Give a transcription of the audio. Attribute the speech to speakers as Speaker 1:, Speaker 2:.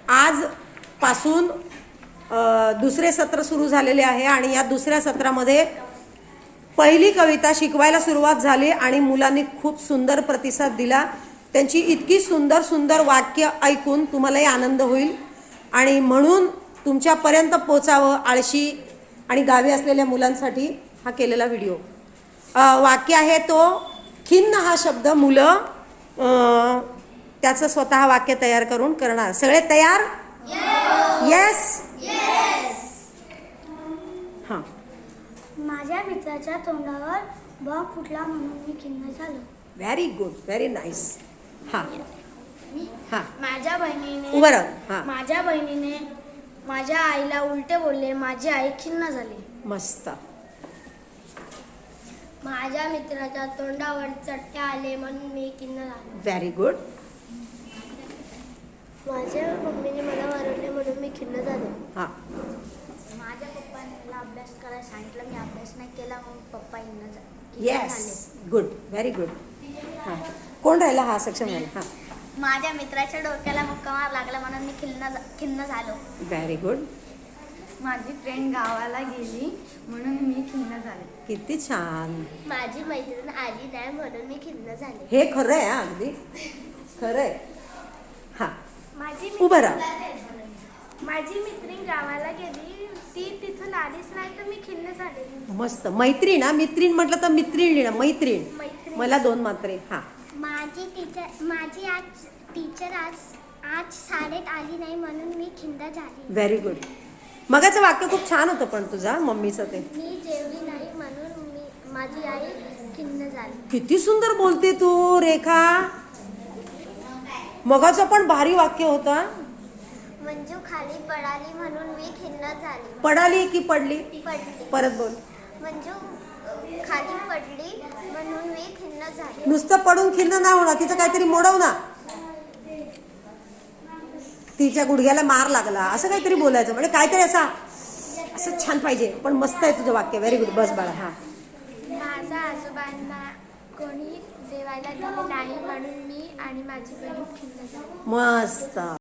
Speaker 1: आज पासून दुसरे सत्र सुरू झालेले आहे आणि या दुसऱ्या सत्रामध्ये पहिली कविता शिकवायला सुरुवात झाली आणि मुलांनी खूप सुंदर प्रतिसाद दिला। त्यांची इतकी सुंदर सुंदर वाक्य ऐकून तुम्हालाही आनंद होईल आणि म्हणून तुमच्यापर्यंत पोचावं आळशी आणि गावी असलेल्या मुलांसाठी हा केलेला व्हिडिओ। वाक्य आहे तो खिन्न हा शब्द मुलं त्याचं स्वतः वाक्य तयार करून करणार। सगळे तयार? येस हां।
Speaker 2: माझ्या मित्राच्या तोंडावर बॉम्ब फुटला म्हणून मी खिन्न झालो।
Speaker 1: Very good, very nice. हां हां।
Speaker 2: माझ्या बहिणीने
Speaker 1: उभं राहा। हां,
Speaker 2: माझ्या बहिणीने माझ्या आईला उलटे बोलले, माझी आई खिन्न झाली।
Speaker 1: मस्त।
Speaker 2: माझ्या मित्राच्या तोंडावर चट्टे आले म्हणून मी खिन्न झालो।
Speaker 1: Very good.
Speaker 2: माझ्या मम्मीने मला मारले म्हणून मी खिन्न झालो।
Speaker 1: हां।
Speaker 2: माझ्या पप्पाने मला अभ्यास करायला सांगितलं, मी अभ्यास नाही केला म्हणून पप्पा खिन्न झाले।
Speaker 1: Yes, good, very good. हां, कोण राहिला? हा सक्षम राहिला। हां।
Speaker 2: माझ्या मित्राच्या डोक्याला मुक्का मार लागला म्हणून मी खिन्न झालो।
Speaker 1: Very good.
Speaker 2: माझी फ्रेंड गावाला गेली म्हणून मी खिन्न झाले।
Speaker 1: किती छान।
Speaker 2: माझी मैत्रीण आली नाही म्हणून मी खिन्न झाले।
Speaker 1: हे खरं आहे, अगदी खरं आहे। हां,
Speaker 2: माझी
Speaker 1: उभं राहा।
Speaker 2: माझी मैत्रीण गावाला गेली, ती तिथून आलीच नाही तर मी खिन्न झाले।
Speaker 1: मस्त। मैत्रीण, हा मित्रीण म्हटलं तर मित्रीण लिहिणं, मैत्रीण। मला 2 मात्रे। हां।
Speaker 2: माझी टीचर आज शाळेत आली नाही म्हणून मी खिन्न झाली।
Speaker 1: Very good. मगाचं वाक्य खूप छान होतं पण तुझा मम्मीचं ते।
Speaker 2: मी जेवली नाही म्हणून माझी आई खिन्न झाली।
Speaker 1: किती सुंदर बोलते तू रेखा। मगाचं पण भारी वाक्य होतं।
Speaker 2: मंजू खाली पडाली म्हणून मी खिन्न झाली।
Speaker 1: पडाली की पडली?
Speaker 2: पडली।
Speaker 1: परत बोल।
Speaker 2: मंजू खाली पडली म्हणून मी खिन्न झाली।
Speaker 1: नुसतं पडून खिन्न नाही होणार, तिचं काहीतरी मोडव ना। तिच्या गुडघ्याला मार लागला असं काहीतरी बोलायचं, म्हणजे काहीतरी असं छान पाहिजे। पण मस्त आहे तुझं वाक्य, व्हेरी गुड। बस बाळा। हां।
Speaker 2: माझ्या आजोबांना कोणी जेवायला दिले नाही म्हणून मी आणि माझी बहीण खिन्न झाली।
Speaker 1: मस्त।